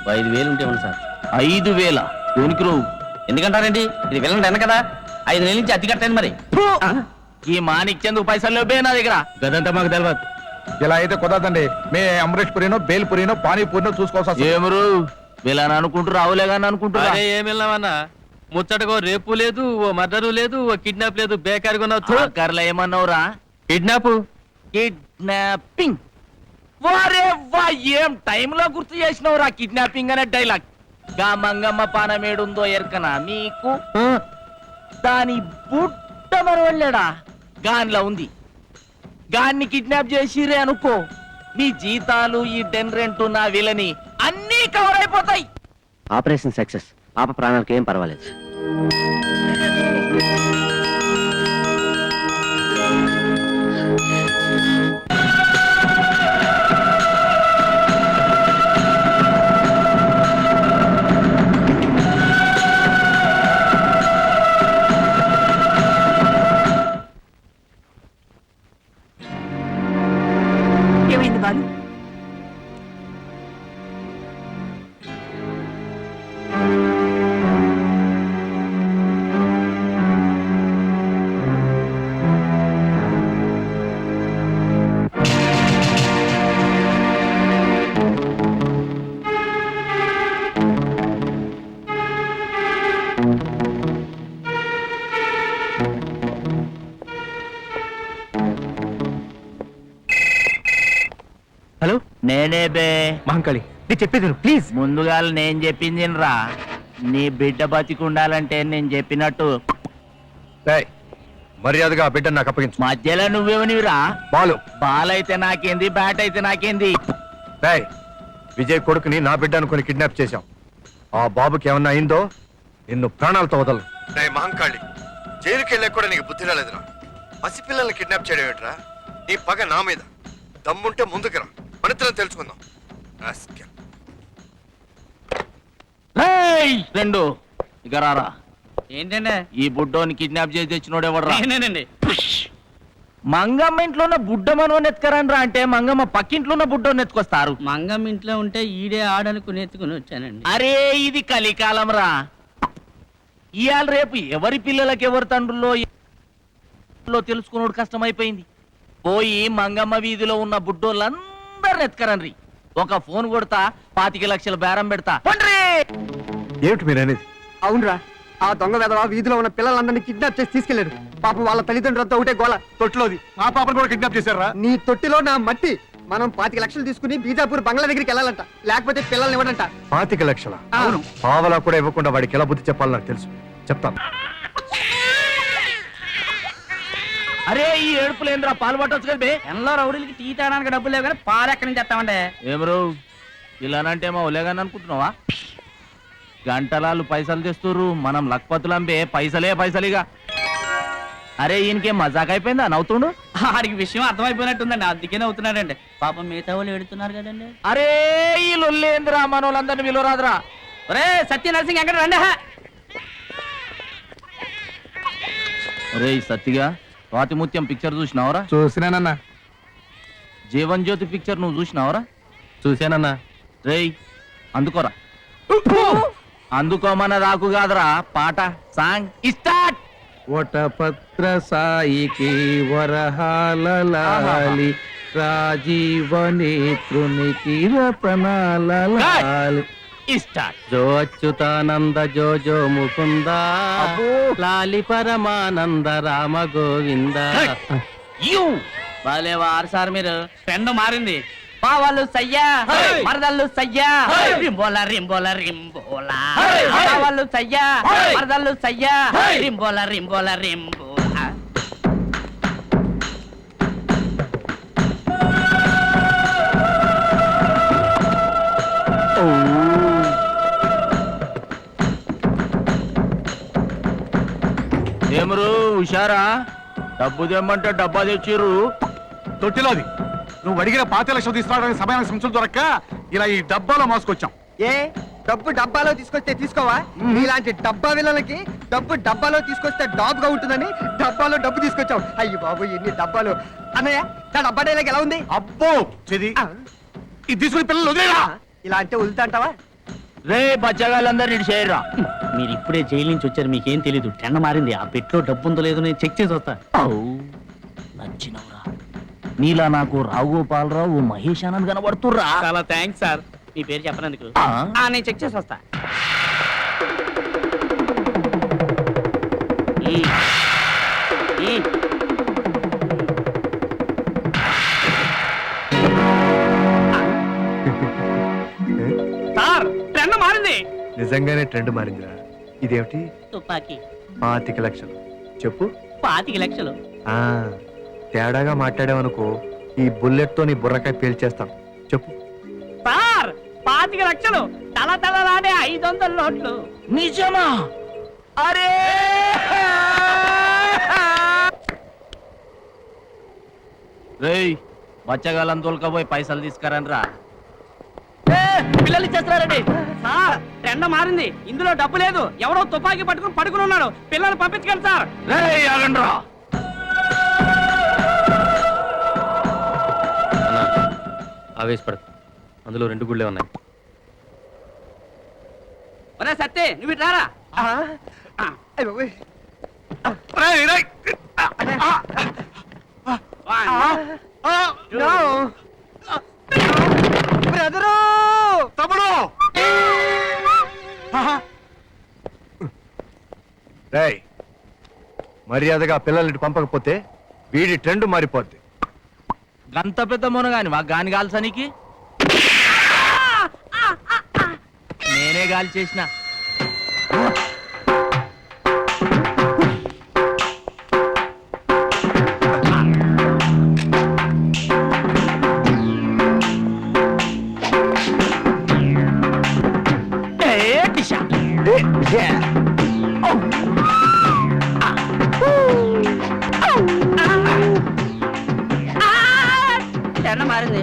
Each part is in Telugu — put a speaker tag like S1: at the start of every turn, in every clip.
S1: 5,000 ఉంటే ఉంది సార్.
S2: 5,000 దేనికి నువ్వు?
S1: ఎందుకంటారండి, ఇది వెళ్ళండి అన్న కదా, 5 నెలల నుంచి అతి కట్టాను మరి.
S2: ఈ మాణిక్యందుకు పైసలు లేవే నా దగ్గర.
S1: గదంతా మాకు తెలియదు.
S3: ఇలా అయితే కుదరదండి. మే అమరేష్ పురినో, బేల్ పురినో, పానీపూరినో చూసుకోవాల్సి వస్తుంది.
S2: ఏమరు వీళ్ళని అనుకుంటూ రావులే కానీ అనుకుంటున్నా.
S1: ఏం వెళ్ళామన్నా, ముచ్చటకో రేపు లేదు, ఓ మర్డరు లేదు, ఓ కిడ్నాప్ లేదు, బేకారిగా ఉన్నావు.
S2: కర్ల ఏమన్నావురా?
S1: Kidnap
S2: kidnapping. వారే వా, ఏం టైంలో గుర్తు చేసినవురా కిడ్నాపింగ్ అనే డైలాగ్. గా మంగమ్మ పానమేడుందో ఎరకనా మీకు? దాని బుట్ట మరవళ్ళాడా గాన్లా ఉంది. గాన్ని కిడ్నాప్ చేసిరే అనుకో, మీ జీతాలు, ఈ డెన్ రెంట్, నా విలని అన్నీ కవర్ అయిపోతాయి.
S4: Operation success. పాప ప్రాణాలకు ఏం పర్వాలేదు.
S5: ఏమైంది బాలు?
S4: హలో,
S2: నేనే బే
S4: మహంకాళి, నేను చెప్పేది ప్లీజ్.
S2: ముందుగా నేను చెప్పింది రా. నీ బిడ్డ బతికుండాలంటే నేను చెప్పినట్టు
S3: ఏయ్, మర్యాదగా ఆ బిడ్డను నాకు అప్పగించు.
S2: మధ్యలో నువ్వేమనివిరా?
S3: బాలు,
S2: బాల్ అయితే నాకేంది, బ్యాట్ అయితే నాకేంది.
S3: ఏయ్, విజయ్ కొడుకుని నా బిడ్డ అనుకుని కిడ్నాప్ చేశాం. ఆ బాబుకి ఏమన్నా అయిందో నిన్ను ప్రాణాలతో వదలను. మహంకాళి, జైలుకి వెళ్ళా కూడా నీకు బుద్ధి రాలేదురా. పసిపిల్లల్ని కిడ్నాప్ చేయడం ఏంట్రా? నీ పగ నా మీద. దమ్ముంటే ముందుకు రా, మనిద్దరం తెలుసుకుందాం.
S2: రెండు ఇక రారా.
S1: ఏంటండి?
S2: ఈ బుడ్డోని కిడ్నాప్ చేసి తెచ్చినోడెవడరా?
S1: నేనేనండి.
S2: మంగమ్మ ఇంట్లో ఉన్న బుడ్డ మనవని ఎత్తుకరండ్రా అంటే మంగమ్మ పక్కింట్లో ఉన్న బుడ్డోని ఎత్తుకొస్తారు.
S1: మంగమ్మ ఇంట్లో ఉంటే ఈడే ఆడనుకుని ఎత్తుకుని వచ్చానండి.
S2: అరే ఇది కలికాలం రా. ఇవాళ రేపు ఎవరి పిల్లలకి ఎవరి తండ్రుల్లో తెలుసుకున్నాడు కష్టమైపోయింది. పోయి మంగమ్మ వీధిలో ఉన్న బుడ్డోళ్ళందరిని ఎత్తుకరండ్రి. ఒక ఫోన్ కొడతా, 25 లక్షల బేరం పెడతా.
S3: ఏమిటి మీరనేది?
S6: అవునరా, ఆ దొంగ వెధవ వీధిలో ఉన్న పిల్లలందరినీ కిడ్నాప్ చేసి తీసుకెళ్లాడు. పాపం వాళ్ళ తల్లిదండ్రులతో ఒకటే గోల.
S3: తొట్టిలోది మా పాపను కూడా కిడ్నాప్ చేశారా?
S6: నీ తొట్టిలో నా మట్టి. మనం 25 లక్షలు తీసుకుని బీజాపూర్ బంగ్లా దగ్గరికి వెళ్ళాలంట, లేకపోతే పిల్లల్ని ఇవ్వడంట.
S3: 25 లక్షల?
S6: అవును.
S3: పావలా కూడా ఇవ్వకుండా వాడికి ఎలా బుద్ధి చెప్పాలో నాకు తెలుసు, చెప్తాను.
S2: అరే ఈ ఏడుపులేంద్రా, పాలు పట్టొచ్చు కదా బే.
S1: ఎన్నో రౌడీలకి టీ తాగడానికి డబ్బులు లేవు కానీ పాలు ఎక్కడి నుంచి తెస్తామండి?
S2: ఏమరు ఇలానంటే మా ఒలేగాని అనుకుంటున్నావా? గంటలాలు పైసలు తెస్తుర్రు, మనం లక్పతులంబే పైసలే పైసలిగా. అరే ఈయనకేం మజాక్ అయిపోయిందా నవ్వుతుండు?
S1: ఆడికి విషయం అర్థమైపోయినట్టుందండి, అందుకే నవ్వుతున్నాడండి. పాపం మిగతా వాళ్ళు ఎడుతున్నారు కదండి.
S2: అరే ఈ లొల్లేంద్రా, మన వాళ్ళందరినీ విలువరాదురా.
S1: ఒరే సత్య నరసింగ్ ఎక్కడ రండి.
S2: అరే సత్తిగా స్వాతిముత్యం పిక్చర్ చూసినావరా?
S3: చూసినానన్నా.
S2: జీవన్ జ్యోతి పిక్చర్ నువ్వు చూసినావరా?
S3: చూశానన్నా.
S2: రేయ్ అందుకోరా. అందుకోమన్న రాకు కాదురా, పాట సాంగ్ స్టార్ట్.
S4: వటపత్ర సాయికి వరహాలి రాజీవనేత్రునికి రతనాలి
S2: స్టార్ట్.
S4: జో అచ్యుతానంద జో జో ముకుంద లాలి పరమానంద రామ గోవింద.
S1: బాలే వారు సార్ మీరు. ట్రెండ్ మారింది. పావాళ్ళు సయ్యా, మరదళ్ళు సయ్యా, రింబోలా రింబోలా రింబోలా. పావాళ్ళు సయ్యా, మరదళ్ళు సయ్యా, రింబోలా రింబోలా రింబోలా.
S2: ఏమరు హుషారా? డబ్బు తెమ్మంటే డబ్బా తెచ్చిర్రు.
S3: తొట్టిలోది నువ్వు అడిగిన 25 లక్షలు తీసుకురావడానికి సమయానికి సంచులు దొరక్క ఇలా ఈ డబ్బాలో మోసుకొచ్చాం.
S6: ఏ డబ్బు డబ్బాలో తీసుకొస్తే తీసుకోవా? ఇలాంటి డబ్బా విలలకి డబ్బు డబ్బాలో తీసుకొస్తే డాబ్గా ఉంటుందని డబ్బాలో డబ్బు తీసుకొచ్చావు. అయ్యి బాబు ఎన్ని డబ్బాలు. అన్నయ్య నా డబ్బా డైలాగ్ ఎలా ఉంది?
S3: అబ్బో చెది, ఇది తీసుకుని పిల్లలు వదిలేరా?
S6: ఇలా అంటే వదులుతా అంటావా?
S2: రే బచ్చగాళ్ళందరూ ఇటు చేయరా.
S1: మీరు ఇప్పుడే జైలు నుంచి వచ్చారు, మీకేం తెలీదు. టెండ మారింది. ఆ పెట్లో డబ్బు ఉందో లేదో నేను చెక్ చేసి వస్తా.
S2: నచ్చినవురా. నీలా నాకు రావుగోపాలరావు మహేష్ ఆనంద్ కనబడుతుర్రా.
S1: చాలా థ్యాంక్స్ సార్, మీ పేరు చెప్పనందుకు. నేను చెక్ చేసి వస్తా. సార్ ట్రెండ్ మారింది.
S3: నిజంగానే ట్రెండ్ మారిందిరా. ఇదేమిటి?
S1: తుపాకీ
S3: 25 లక్షలు. చెప్పు.
S1: 25 లక్షలు.
S3: ఆ తేడాగా మాట్లాడావనుకో, ఈ బుల్లెట్ తో నీ బుర్రకాయ పేల్చేస్తాం. చెప్పు.
S1: సార్ 25 లక్షలు, తల తలలాడే 500 నోట్లు.
S2: నిజమా? అరే రేయ్ బచ్చగాళ్ళని తోలుకపోయి పైసలు తీసుకురండ్రా.
S1: పిల్లలు ఇచ్చేస్తున్నారండి. సార్ ట్రెండ్ మారింది, ఇందులో డబ్బు లేదు. ఎవరో తుపాకీ పట్టుకుని పడుకుని ఉన్నాడు. పిల్లలు పంపించగలరు సార్.
S2: రేయ్ ఆగండ్రా.
S4: అన్నా ఆవేశపడదు, అందులో 2 గుళ్ళే ఉన్నాయి.
S1: ఒరే సత్తే, నువ్వు ఇటు రారా.
S6: అయ్ బాబోయ్. No. బ్రదరు
S3: తమ్ముడు! రేయ్, మర్యాదగా పిల్లల్ని పంపకపోతే వీడి ట్రెండ్ మారిపోద్ది.
S2: గంత పెద్ద మునగాని మా గాని కాల్సనికి నేనే గాలి చేసిన.
S1: ట్రెండ్ మారింది.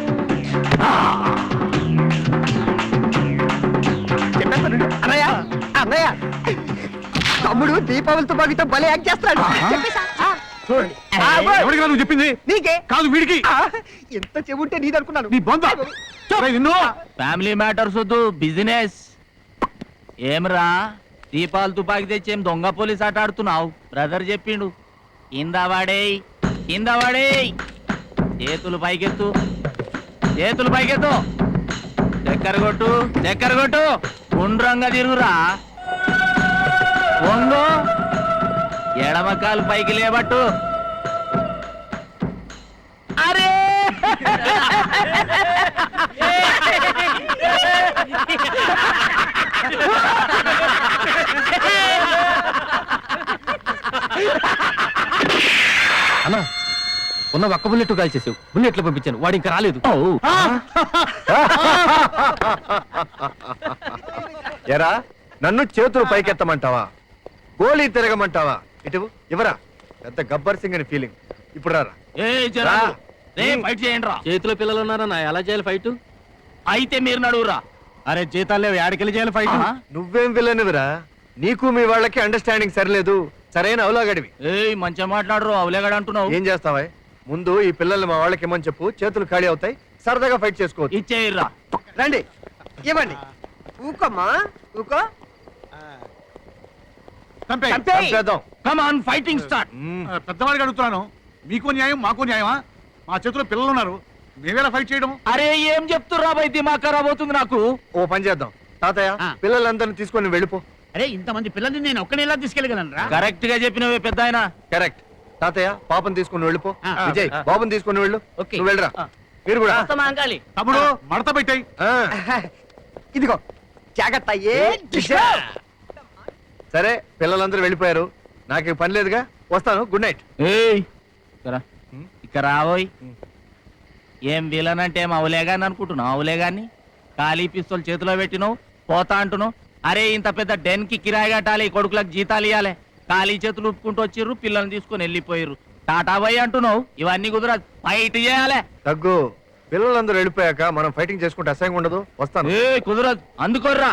S6: చెప్పేస్తాను. అన్నయ్య అన్నయ్య, తమ్ముడు దీపావళితో బాగితో భలే యాక్ట్ చేస్తాడు. చెప్పేసా?
S3: ఎవరికి నువ్వు చెప్పింది?
S6: నీకే
S3: కాదు, వీడికి.
S6: ఎంత చెబుంటే నీదనుకున్నాను.
S3: నీ బొంద.
S2: ఫ్యామిలీ మ్యాటర్స్ వద్దు, బిజినెస్. ఏమ్రా దీపాలు తుపాకి తెచ్చి ఏం దొంగ పోలీస్ ఆట ఆడుతున్నావు? బ్రదర్ చెప్పిండు. కింద వాడేయ్, కింద వాడేయ్. చేతులు పైకెత్తు, చేతులు పైకెత్తు. చక్కెర కొట్టు, చక్కెర కొట్టు. గుండ్రంగా తిరుగురా. వంగు, ఎడమకాలు పైకి లేబట్టు. అరే
S4: అన్నా ఉన్న ఒక్క బుల్లెట్ కాల్ చేసావు, బుల్లెట్లు పంపించాను, వాడు ఇంకా రాలేదు.
S3: ఎరా, నన్ను చేతులు పైకెత్తమంటావా? గోళీ తిరగమంటావా? ఇటు ఇవరా. పెద్ద గబ్బర్ సింగ్ అని ఫీలింగ్. ఇప్పుడు రారా.
S2: ఫైట్ చేయండి రా.
S4: చేతిలో పిల్లలు ఉన్నారన్నా, ఎలా చేయాలి ఫైట్?
S2: అయితే మీరు నడువురా.
S3: అరే జీతాలు లేవు, యాడికెళ్ళి చేయాలి ఫైట్? నువ్వేం విలనివిరా, నీకు మీ వాళ్ళకి అండర్స్టాండింగ్ సరిలేదు. సరైన అవలాగడివి.
S2: ఏయ్ మంచిగా మాట్లాడరు, అవలేగాడు అంటున్నావు.
S3: ఏం చేస్తావా? ముందు ఈ పిల్లల్ని మా వాళ్ళకి ఇమ్మని చెప్పు, చేతులు ఖాళీ అవుతాయి, సరదాగా ఫైట్ చేసుకోవచ్చు.
S2: ఇచ్చేయర్రా.
S6: రండి ఇవ్వండి. ఊకమ్మా ఊకో.
S3: చంపేద్దాం.
S2: Come on, fighting start.
S5: పెద్దవాడికి అడుగుతున్నాను, మీకు న్యాయం మాకు న్యాయమా? మా చేతిలో పిల్లలు ఉన్నారు, మేమేలా ఫైట్ చేయడం?
S2: అరే ఏం చెప్తుర్రా బై, దిమాగ్ ఖరాబ్ అవుతుంది నాకు.
S3: ఓ పని చేద్దాం తాతయ్య, పిల్లలందరినీ తీసుకొని వెళ్ళిపో.
S1: అరే ఇంతమంది పిల్లల్ని నేను ఒక్కనే ఎలా తీసుకెళ్ళగలను రా?
S2: కరెక్ట్ గా చెప్పినవే పెద్ద ఆయన.
S3: కరెక్ట్. తాతయ్య పాపని తీసుకొని వెళ్ళిపో. విజయ్
S1: ఆ.
S3: బాబుని తీసుకొని వెళ్ళు.
S1: ఓకే.
S3: నువ్వు వెళ్ళరా. మీరు కూడా.
S1: అంకాలి.
S5: తమ్ముడు మడత పెట్టాయి.
S3: ఆ,
S6: ఇదిగో జాగ్రత్త.
S3: సరే పిల్లలందరూ వెళ్ళిపోయారు, నాకు పని లేదుగా, వస్తాను. Good night.
S2: ఏయ్ ఇక్కడ రావోయ్. ఏం విలన్ అంటే ఏం అవలేగాని అనుకుంటున్నావు? అవలేగాన్ని ఖాళీ పిస్తోల్ చేతిలో పెట్టినావు, పోతా అంటున్నావు. అరే ఇంత పెద్ద డెన్ కి కిరాయి కట్టాలి, కొడుకులకు జీతాలు ఇవ్వాలి. ఖాళీ చేతులు ఉప్పుకుంటూ వచ్చిర్రు, పిల్లల్ని తీసుకొని వెళ్ళిపోయారు. టాటా బాయ్ అంటున్నావు. ఇవన్నీ కుదర, ఫైట్ చేయాలి.
S3: తగ్గు. పిల్లలందరూ వెళ్ళిపోయాక మనం ఫైటింగ్ చేసుకుంటే అసహ్యంగా ఉండదు. వస్తాను.
S2: ఏ కుదరదు, అందుకోర్రా.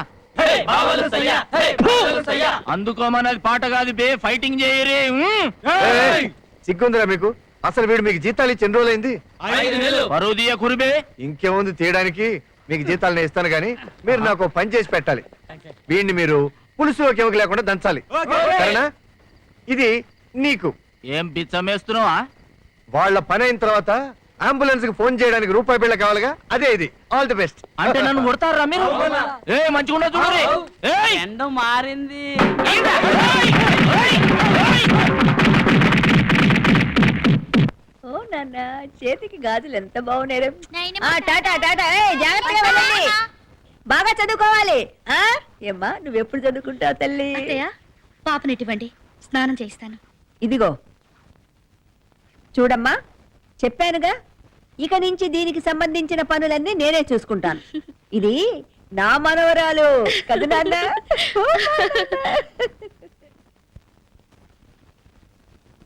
S2: అందుకోమన్నది పాట కాదు బే, ఫైటింగ్ చేయరే.
S3: ఏయ్, సిగ్గుందిరా మీకు? అసలు వీడు మీకు జీతాలు ఇచ్చి ఎన్ని రోజులైంది?
S2: పరువు తీయ కురిబే.
S3: ఇంకేముంది తీయడానికి? మీకు జీతాలు నేను ఇస్తాను కానీ మీరు నాకు ఓ పని చేసి పెట్టాలి. వీడిని మీరు పులుసులోకి ఎవరికి లేకుండా దంచాలి, సరేనా? ఇది నీకు.
S2: ఏం బిచ్చమేస్తున్నావా?
S3: వాళ్ళ పని అయిన తర్వాత అంబులెన్స్ కి ఫోన్ చేయడానికి రూపాయి బిళ్ళ కావాలిగా, అదే ఇది. All the best.
S2: అంటే నన్ను కొడతారా మీరు? ఏ మంచిగా చూడండి.
S1: ఎండ మారింది.
S7: ఓ నాన్న చేతికి గాజులు ఎంత బాగున్నాయి. టాటా టాటా ఏయ్, జాగ్రత్తగా వెళ్ళండి. బాగా చదువుకోవాలి. ఏమ్మా నువ్వెప్పుడు చదువుకుంటావు తల్లి?
S8: పాపనివ్వండి, స్నానం చేస్తాను.
S7: ఇదిగో చూడమ్మా, చెప్పానుగా ఇక నుంచి దీనికి సంబంధించిన పనులన్నీ నేనే చూసుకుంటాను. ఇది నా మనవరాలు కదా నాన్న.